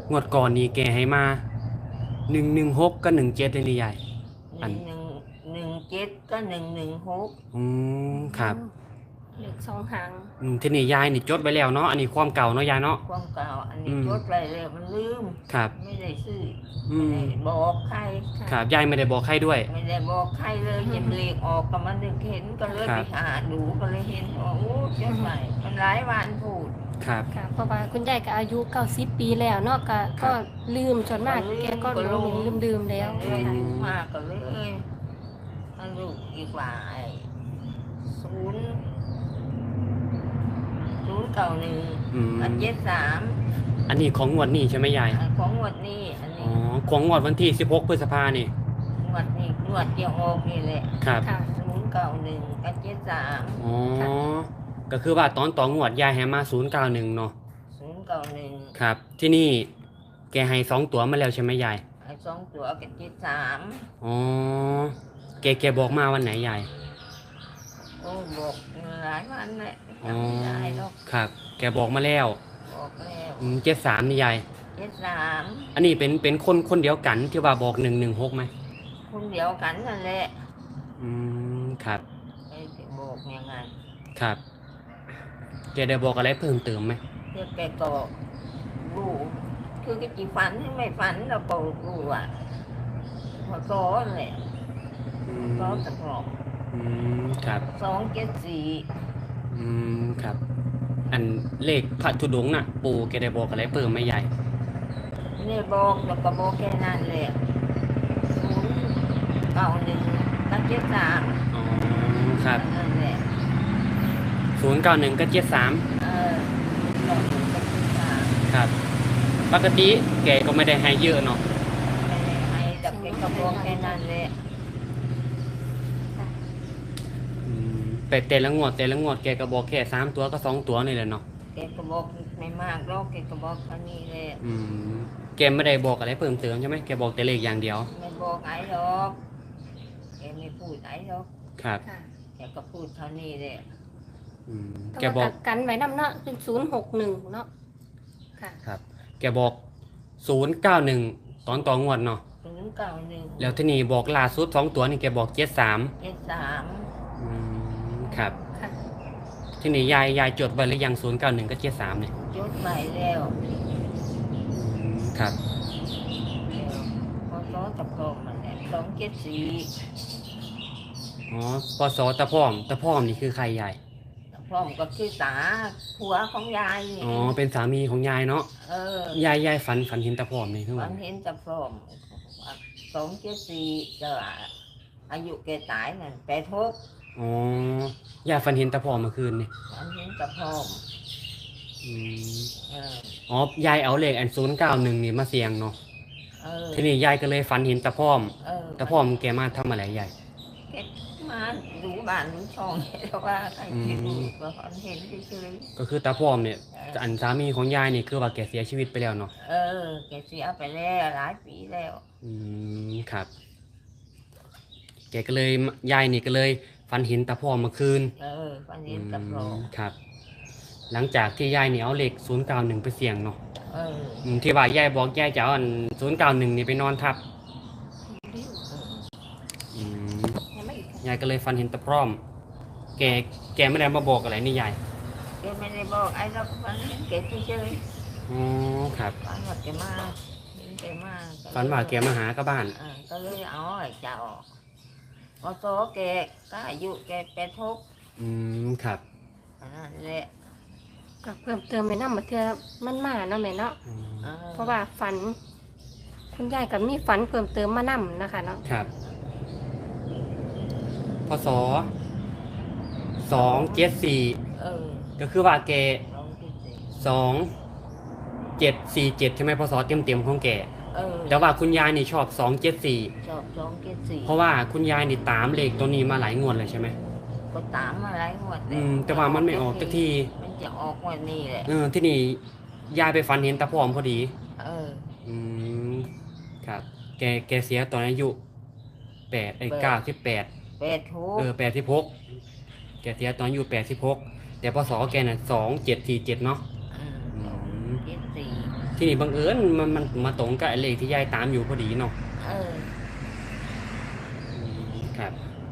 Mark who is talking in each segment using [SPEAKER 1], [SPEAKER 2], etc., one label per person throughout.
[SPEAKER 1] งวดก่อนนี่แกให้มา116กับ17เลยนี่ยายอัน
[SPEAKER 2] 117ก็116
[SPEAKER 1] อืมครับ
[SPEAKER 3] เหลือสองหาง
[SPEAKER 1] ทีนี้ยายนี่จดไว้แล้วเนาะอันนี้ความเก่าเนาะยายเนาะ
[SPEAKER 2] ความเก่าอันนี้
[SPEAKER 1] อืม
[SPEAKER 2] จดไว้แล้วมันลืม
[SPEAKER 1] ครับ
[SPEAKER 2] ไม่ได้ซื้อ
[SPEAKER 1] อื
[SPEAKER 2] ไม่
[SPEAKER 1] ม
[SPEAKER 2] ได้บอกใคร
[SPEAKER 1] ครับยายไม่ได้บอกใครด้วย
[SPEAKER 2] ไม่ได้บอกใครเลยเห็นเลขออกก็มันนึกเห็นก็เลย
[SPEAKER 1] ครั
[SPEAKER 2] ไป
[SPEAKER 1] บ
[SPEAKER 2] หาดูก็เลยเห็นว่าโอ้จดไว้มันหลายวันพูด
[SPEAKER 1] ครับ
[SPEAKER 3] ค่ะเพราะว่าคุณยายก็อายุ90ปีแล้วเนาะก็ลืมจนมากแกก็หลงลืมแล้ว
[SPEAKER 2] เลย
[SPEAKER 3] ค่ะ
[SPEAKER 2] ลืมมากก็เลยมาลูกอีกว่าไอ้091
[SPEAKER 1] อืม
[SPEAKER 2] กับ73
[SPEAKER 1] อันนี้ของงวดนี้ใช่ไหมยาย
[SPEAKER 2] ของงวดนี้อัน
[SPEAKER 1] อ๋อ
[SPEAKER 2] นี้
[SPEAKER 1] ของงวดวันที่16พฤษภานี่
[SPEAKER 2] งวดนี้งวดเดียวออกนี่แหละ
[SPEAKER 1] ครับ
[SPEAKER 3] ค่ะ
[SPEAKER 2] 091กับ73
[SPEAKER 1] อ๋อก็คือว่าตอนต่องวดยายให้มา091เนาะ
[SPEAKER 2] 091
[SPEAKER 1] ครับ ที่นี่แกให้2ตัวมาแล้วใช่ไหมยาย
[SPEAKER 2] ไอ้2ตัวกับ73
[SPEAKER 1] อ๋อแกบอกมาวันไหนยาย
[SPEAKER 2] โอ้บอกหลายวันแหละ
[SPEAKER 1] อ๋อ
[SPEAKER 2] จำไม่ได้หรอก
[SPEAKER 1] ครับ แกบอกมาแล้ว
[SPEAKER 2] บอกแล้ว
[SPEAKER 1] 73นี่ยาย
[SPEAKER 2] 73
[SPEAKER 1] อันนี้เป็นคนเดียวกันที่ว่าบอก116ไหม
[SPEAKER 2] คนเดียวกันนั่นแหละ
[SPEAKER 1] ครับ
[SPEAKER 2] ไอ้ที่บอกอย่างนั้น
[SPEAKER 1] ครับแกได้บอกอะไรเพิ่มเติมไหม
[SPEAKER 2] เพื่อแกก็รู้คือก็จีฝันให้ไม่ฝันเราก็รู้ว่าพอซ้อนแหละ
[SPEAKER 1] อื
[SPEAKER 2] ซ้อ
[SPEAKER 1] ม
[SPEAKER 2] นตะกรอบ
[SPEAKER 1] ครับ
[SPEAKER 2] 274
[SPEAKER 1] ครับ อันเลขพระธุดงค์น่ะ ปู่แกได้บอกอะไรเพิ่มไหมยาย
[SPEAKER 2] นี่บอกแล้วก็บอกแค่นั้นแหละ091กับ73
[SPEAKER 1] อ๋อครับ
[SPEAKER 2] นั่นแหละ
[SPEAKER 1] 091กับ73
[SPEAKER 2] เออ091กับ73
[SPEAKER 1] ครับ ปกติแกก็ไม่ได้ให้เยอะเนาะ
[SPEAKER 2] ไม่ได้ให้แต่แกก็บอกแค่นั้นแหละ
[SPEAKER 1] แต่ละงวดแกก็บอกแค่3ตัวก็2ตัวนี่แหละเนาะ
[SPEAKER 2] แกก็บอกไม่มากหรอกแกก็บอกแค่นี้แหละ
[SPEAKER 1] แกไม่ได้บอกอะไรเพิ่มเติมใช่ไหมแกบอกแต่เลขอย่างเดียว
[SPEAKER 2] ไม่บอกไอ้หรอกแกไม่พูดไอ้หรอก
[SPEAKER 1] ครับ
[SPEAKER 3] ค่ะ
[SPEAKER 2] แกก็พูดเท่านี้แหละ
[SPEAKER 1] แกบอก
[SPEAKER 3] กันไว้นำเนาะเป็น061เนาะค่ะ
[SPEAKER 1] ครับ แกบอก091ตอนต่องวดเนาะ
[SPEAKER 2] 091
[SPEAKER 1] แล้วที่นี่บอกล่าสุด2ตัวนี่แกบอก73
[SPEAKER 2] 73
[SPEAKER 1] ครับ
[SPEAKER 3] ค่ะ
[SPEAKER 1] ที่นี่ยายจดไว้หรือยัง091กับ73เนี่ย
[SPEAKER 2] จดใหม่แล้ว
[SPEAKER 1] ครับ
[SPEAKER 2] แล้วพอซ้อตะกรอบมันแหละ274
[SPEAKER 1] อ๋อปศตะพร้อมนี่คือใครยาย
[SPEAKER 2] พร้อมกับคือตาผัวของยายนี่
[SPEAKER 1] อ๋อเป็นสามีของยายเนาะ
[SPEAKER 2] เออย
[SPEAKER 1] ายฝันเห็นตะพร้อมนี่คือ
[SPEAKER 2] มั
[SPEAKER 1] ว่าน
[SPEAKER 2] เห็นตะพร้อม274ก็อายุแกตายนั่น86
[SPEAKER 1] อ๋อยายฝันเห็นตะพร้อมเมื่อคืนนี่
[SPEAKER 2] มันเห็นตะพร้อม
[SPEAKER 1] อืม
[SPEAKER 2] เออ
[SPEAKER 1] อ๋อยายเอาเลขอัน091นี่มาเสี่ยงเนาะ
[SPEAKER 2] เออ
[SPEAKER 1] ทีนี้ยายก็เลยฝันเห็นตะพร้อม
[SPEAKER 2] เออ
[SPEAKER 1] ตะพร้อมแกมาทำอะไรยาย
[SPEAKER 2] แกมาดูบ้านดูช่องแล้วว่าใครที่ดูก็เห็นเฉย
[SPEAKER 1] ก็คือตะพร้อมเนี่ย
[SPEAKER 2] ๆ
[SPEAKER 1] อันสามีของยายนี่คือว่าแกเสียชีวิตไปแล้วเนาะ
[SPEAKER 2] เออแกเสียไปแล้วหลายปีแล้ว
[SPEAKER 1] ครับ แกก็เลยยายนี่ก็เลยฝันเห็นตะพร้อมเมื่อคืน
[SPEAKER 2] เออวันนี้ตะพร้อม
[SPEAKER 1] ครับ หลังจากที่ยายนี่เอาเลข091ไปเสี่ยงเนาะ
[SPEAKER 2] เออ
[SPEAKER 1] ที่ว่ายายบอกยายจะเอาอัน091นี่ไปนอนทับ
[SPEAKER 3] ยังไม่อีกค่ะ
[SPEAKER 1] ยายก็เลยฝันเห็นตะพร้อม แกไม่ได้มาบอกอะไรนี่ยาย
[SPEAKER 2] แกไม่ได้บอกไอ้เราก็ฝันเห็นแกเฉย
[SPEAKER 1] อ๋อครับ
[SPEAKER 2] ๆฝันว่าแกมาเห็นแกมา
[SPEAKER 1] ฝันว่าแกมาหากับบ้าน
[SPEAKER 2] ก็เลยเอาไอ้เจ้าออกพอโตแกก็อายุแก86
[SPEAKER 1] ครับ
[SPEAKER 2] อันนั้นแหละ
[SPEAKER 3] ก็เพิ่มเติมไปนำมาเทื่อมันมาเนาะแม่เนาะ
[SPEAKER 2] ออ
[SPEAKER 3] เพราะว่าฝัน คุณยายก็มีฝันเพิ่มเติมมานำนะคะเนาะ
[SPEAKER 1] ครับพศ274
[SPEAKER 2] เออ
[SPEAKER 1] ก็คือว่าแก
[SPEAKER 2] 274
[SPEAKER 1] 2747ใช่ไหมพศเต็มของแก
[SPEAKER 2] เออ
[SPEAKER 1] แต่ว่าคุณยายนี่ชอบ
[SPEAKER 2] ชอบ
[SPEAKER 1] 274 เพราะ
[SPEAKER 2] 274
[SPEAKER 1] ว่าคุณยายนี่ตามเลขตัวนี้มาหลายงวดเลยใช่ไหม
[SPEAKER 2] ก็ตามมาหลายงวดแล้ว
[SPEAKER 1] แต่ว่ามันไม่ออกสักที
[SPEAKER 2] มันจะออกวันนี้แหละ
[SPEAKER 1] ที่นี่ยายไปฝันเห็นตาพร้อมพอดี
[SPEAKER 2] เออ
[SPEAKER 1] ครับ แกเสียตอนอายุ98
[SPEAKER 2] 86
[SPEAKER 1] แกเสียตอนอายุ86แต่พศแกน่ะ2747เนาะ
[SPEAKER 2] 74
[SPEAKER 1] ที่นี่บังเอิญมันมาตรงกับไอ้เลขที่ยายตามอยู่พอดีเนาะ
[SPEAKER 2] เออ
[SPEAKER 1] ครับ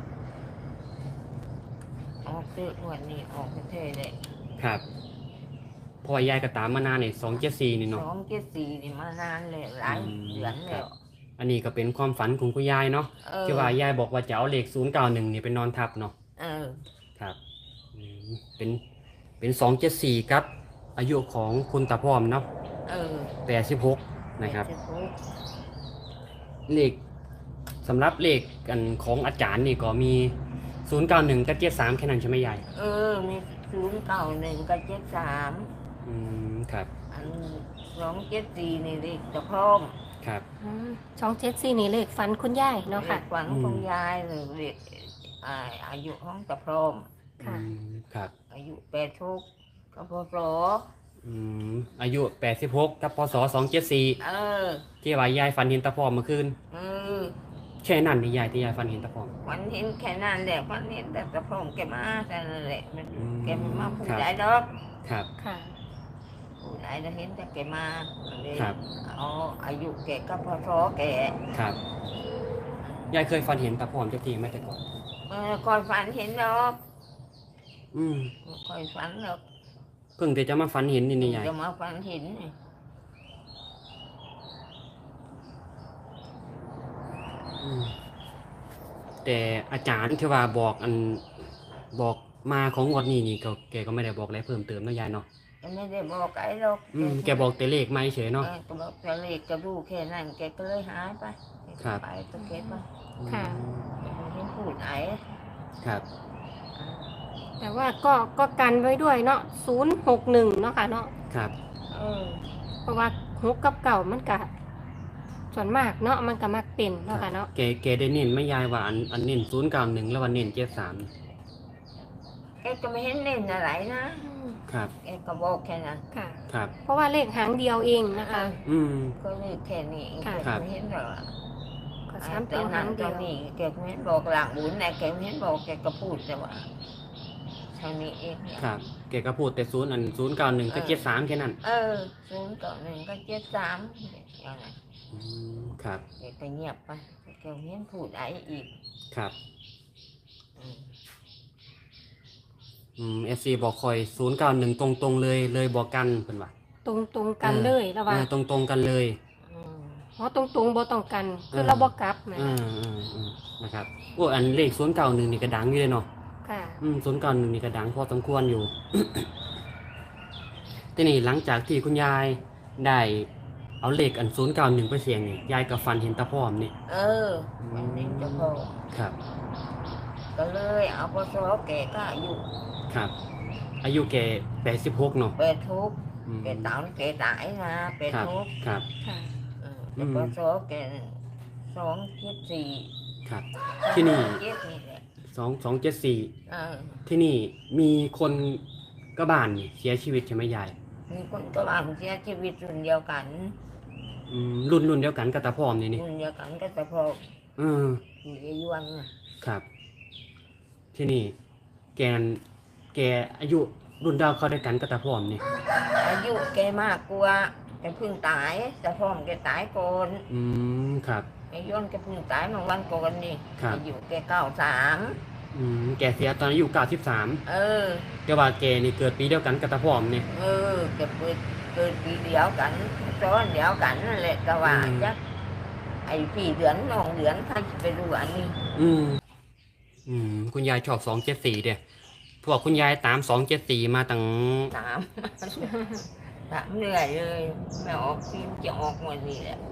[SPEAKER 2] ออกซื้อวันนี้ออกเท่ๆเลย
[SPEAKER 1] ครับเพราะว่ายายก็ตามมานานเนี่ย274นี่
[SPEAKER 2] ส
[SPEAKER 1] เนาะ
[SPEAKER 2] องเจ็ดสี่นี่มานานเลยหลายเดือน
[SPEAKER 1] ครั
[SPEAKER 2] แล้
[SPEAKER 1] บ
[SPEAKER 2] ว
[SPEAKER 1] อันนี้ก็เป็นความฝันของคุณยายเนาะ
[SPEAKER 2] เออ
[SPEAKER 1] ที่ว่ายายบอกว่าจะเอาเลข091นี่ไปนอนทับเนาะ
[SPEAKER 2] เออ
[SPEAKER 1] ครับเป็น274ครับ อายุของคุณตาพร้อมเนาะ
[SPEAKER 2] เออ
[SPEAKER 1] 86นะครับ
[SPEAKER 2] เจ็ดสิ
[SPEAKER 1] เลขสำหรับเลขกันของอาจารย์นี่ก็มี091กับ73แค่นั้นใช่ไหมยาย
[SPEAKER 2] เออ มี091กับ73
[SPEAKER 1] ครับ
[SPEAKER 2] อัน274นี่เลขจะพร้อม
[SPEAKER 1] ครับ
[SPEAKER 3] 274นี่เลขฝันคุณยายเนาะค่ะ
[SPEAKER 2] เลขฝันของยายเลยเลขอายุของจะพร้อม
[SPEAKER 3] ค่ะ
[SPEAKER 1] ครับ
[SPEAKER 2] อายุ86กับพศ
[SPEAKER 1] อายุ86กับพศ274
[SPEAKER 2] เออ
[SPEAKER 1] ที่ว่ายายฝันเห็นตาพร้อมเมื่อคืน
[SPEAKER 2] เออ
[SPEAKER 1] แค่นั้นนี่ยายที่ยายฝันเห็นตาพร้อม
[SPEAKER 2] วันเห็นแค่นั้นแหละวันเห็นแต่จะพร้อมแกมาแต่นั่นแหละมัน แกไม่มาพูด
[SPEAKER 1] ครับ
[SPEAKER 2] ได้ดอก
[SPEAKER 1] ครับ
[SPEAKER 3] ค่ะ
[SPEAKER 2] พูดได้จะเห็นแต่แกมาเลย
[SPEAKER 1] ครับ
[SPEAKER 2] เอาอายุแกกับพศแก
[SPEAKER 1] ครับยายเคยฝันเห็นตาพร้อมจักทีไหมแต่ก่อน
[SPEAKER 2] คอยฝันเห็นดอก
[SPEAKER 1] อืม
[SPEAKER 2] คอยฝันดอก
[SPEAKER 1] เพิ่งแต่จะมาฝันเห็นนี่ยาย
[SPEAKER 2] จะมาฝันเห็นนี่
[SPEAKER 1] อืมแต่อาจารย์ที่ว่าบอกบอกมาของงวดนี้นี่แกก็ไม่ได้บอกอะไรเพิ่มเติมเนาะยายเนาะ
[SPEAKER 2] แกไม่ได้บอกไอ้หรอก
[SPEAKER 1] แกบอกแต่เลขไม่เฉยเนาะ
[SPEAKER 2] แกบอกแต่เลขจะรู้แค่นั้นแกก็เลยหายไป
[SPEAKER 1] ครับ
[SPEAKER 2] ไปตะเก็บไป
[SPEAKER 3] ค่ะ
[SPEAKER 2] ไม่เห็นพูดไอ้
[SPEAKER 1] ครับ
[SPEAKER 3] แต่ว่าก็กันไว้ด้วยเนาะ061เนาะค่ะเนาะ
[SPEAKER 1] ครับ
[SPEAKER 2] เออ
[SPEAKER 3] เพราะว่า6กับเก่ามันก็ส่วนมากเนาะมันก็มักเป็นเนาะค่ะเนาะ
[SPEAKER 1] แกได้เน้นไหม่ยายว่าอันเน้น091แล้ววันเน้น73
[SPEAKER 2] แกก็ไม่เห็นเล่นอะไรนะ
[SPEAKER 1] ครับ
[SPEAKER 2] แกก็บอกแค่นั้น
[SPEAKER 3] ค่ะ
[SPEAKER 1] ครับ
[SPEAKER 3] เพราะว่าเลขหางเดียวเองนะคะ
[SPEAKER 2] ก็เลขแค่นี้แก
[SPEAKER 1] ครับ
[SPEAKER 2] ไม่เห็นหรอก
[SPEAKER 3] ก็
[SPEAKER 2] ไอ้
[SPEAKER 3] ซ้ำ
[SPEAKER 2] ต
[SPEAKER 3] เป็
[SPEAKER 2] อน น
[SPEAKER 3] หา
[SPEAKER 2] นั้น
[SPEAKER 3] ง
[SPEAKER 2] ต
[SPEAKER 3] เดี
[SPEAKER 2] อย น
[SPEAKER 3] ว
[SPEAKER 2] นี้แกไม่เห็นบอกหลังบุญนะแกไม่เห็นบอกแกก็พูดแต่ว่าเท่านี้เองเนี่ย
[SPEAKER 1] ครับแกก็พูดแต่091กับ73แค่นั้น
[SPEAKER 2] 091ก็73อย่างนั้น
[SPEAKER 1] ครับ
[SPEAKER 2] แกก็เงียบไปแกไม่เห็นพูดอะไรอีก
[SPEAKER 1] ครับ
[SPEAKER 2] อืม
[SPEAKER 1] FC บอกคอย091ตรงๆเลยบอกกันเพิ่นว่า
[SPEAKER 3] ตรงกันเลยแล้วว่า
[SPEAKER 1] ตรงกันเลย
[SPEAKER 2] อืม
[SPEAKER 3] เพราะตรงบ่ต้องกันคือเราบ่กลับนะ
[SPEAKER 1] นะครับโอ้อันเลข091นี่ก็ดังอยู่เลยเนาะ
[SPEAKER 3] ค่ะ
[SPEAKER 1] 091นี่ก็ดังพอสมควรอยู่ ทีนี้หลังจากที่คุณยายได้เอาเลขอัน091ไปเสี่ยงนี่ยายก็ฝันเห็นตาพร้อมนี่
[SPEAKER 2] วันนี้เจะพอ
[SPEAKER 1] ครับ
[SPEAKER 2] ก็เลยเอาพศแกก็อายุ
[SPEAKER 1] ครับ อายุแก86เนาะ
[SPEAKER 2] เป็ดทุกข์
[SPEAKER 1] อืม
[SPEAKER 2] แกตายแกตายนะเป็ด
[SPEAKER 1] ครับ
[SPEAKER 2] ทุกข์
[SPEAKER 1] ครับ
[SPEAKER 3] ค่ะ
[SPEAKER 2] แต่พศแก274
[SPEAKER 1] ครับ ที่นี่
[SPEAKER 2] เจ็ดนี่แหละ
[SPEAKER 1] 2274
[SPEAKER 2] เออ
[SPEAKER 1] ที่นี่มีคนกระบ้านนี่เสียชีวิตใช่ไหมยาย
[SPEAKER 2] มีคนก็ว่าเสียชีวิตรุ่นเดียวกัน
[SPEAKER 1] รุ่นเดียวกันกับตาพร้อมนี่
[SPEAKER 2] รุ่นเดียวกันก็แต่พอ
[SPEAKER 1] เออ
[SPEAKER 2] อยู่ในยวงน่ะ
[SPEAKER 1] ครับ ที่นี่แกอายุรุ่นดาวเขาได้วยกันกับตาพร้อมนี่
[SPEAKER 2] อายุแกมากกว่าแกเพิ่งตายแต่พ่อมแกตายก่อน
[SPEAKER 1] ครับ
[SPEAKER 2] ไอ้ย้อนแกเพิ่งตายเมื่อวันก่อนนี่
[SPEAKER 1] ครับ
[SPEAKER 2] อายุแก93
[SPEAKER 1] แกเสียตอนอายุ93
[SPEAKER 2] เออ
[SPEAKER 1] แต่ว่าแกนี่เกิดปีเดียวกันกับตาพร้อมนี่
[SPEAKER 2] แกเกิดปีเดียวกันซ้อนเดียวกันนั่นแหละแต่ว่าจักไอ้พี่เดือนน้องเดือนถ้าจะไปดูอันนี้
[SPEAKER 1] คุณยายชอบ274เด้พวกคุณยายตาม274มาตั้ง
[SPEAKER 2] ถาม ถามเหนื่อยเลยไม่ออกฟิล์มจะออกวันนี้แหละ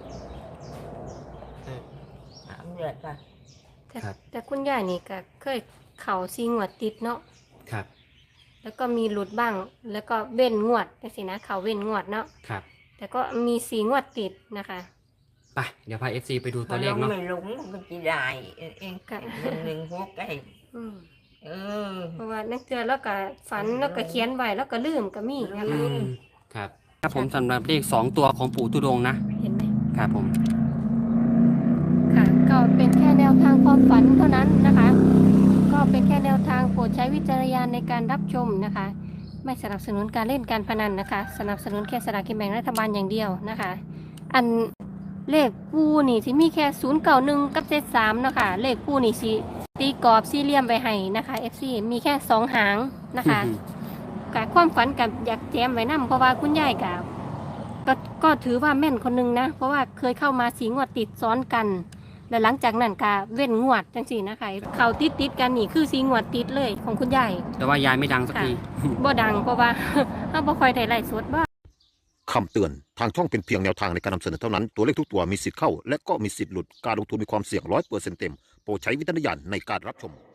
[SPEAKER 2] ถามเหนื่อยป่ะ
[SPEAKER 3] แต่คุณยายนี่ก็เคยเข่าซีงวดติดเนาะ
[SPEAKER 1] ครับ
[SPEAKER 3] แล้วก็มีหลุดบ้าง แล้วก็เว้นงวดจังซี่นะเข่าเว้นงวดเนาะ
[SPEAKER 1] ครับ
[SPEAKER 3] แต่ก็มี4งวดติดนะคะ
[SPEAKER 1] ไปเดี๋ยวพา FC ไปดูตัวเลขเนาะ
[SPEAKER 2] ไม่ลงมันจะได้เอง
[SPEAKER 3] ค่ะ
[SPEAKER 2] หนึ่งหัวไก่
[SPEAKER 3] อืม
[SPEAKER 2] เออ
[SPEAKER 3] เพราะว่านักเตือนแล้วก็ฝันแล้วก็เขียนไว้แล้วก็ลืมก็มีนะคะ
[SPEAKER 1] ครับครับผมสำหรับเลข2ตัวของปู่ตุดงค์นะ
[SPEAKER 3] เห็นไหม
[SPEAKER 1] ครับผม
[SPEAKER 3] ค่ะก็เป็นแค่แนวทางความฝันเท่านั้นนะคะ ก็เป็นแค่แนวทางโปรดใช้วิจารณญาณในการรับชมนะคะไม่สนับสนุนการเล่นการพนันนะคะ สนับสนุนแค่สลากกินแบ่งรัฐบาลอย่างเดียวนะคะ อันเลขปูนี่สิมีแค่091กับ73นะคะเลขปูนี่สิตีกรอบสี่เหลี่ยมไว้ให้นะคะ FC มีแค่2หางนะคะกับความฝันกับอยากแจมไว้นํเพราะว่าคุณยายก็ถือว่าแม่นคนนึงนะ เพราะว่าเคยเข้ามา4 งวดติดซ้อนกัน แล้วหลังจากนั้นก็เว้นงวดจังซี่นะคะเขาติดกันนี่คือ4 งวดติดเลยของคุณยาย
[SPEAKER 1] แต่ว่ายายไม่ดังสัก
[SPEAKER 3] ค่ะ
[SPEAKER 1] ที
[SPEAKER 3] บ่ดังเพราะว่า เฮาบ่ค่อยได้ไลฟ์สดบ่
[SPEAKER 4] คำเตือน ทางช่องเป็นเพียงแนวทางในการนำเสนอเท่านั้น ตัวเลขทุกตัวมีสิทธิ์เข้า และก็มีสิทธิ์หลุด การลงทุนมีความเสี่ยง100%เต็ม โปรดใช้วิจารณญาณในการรับชม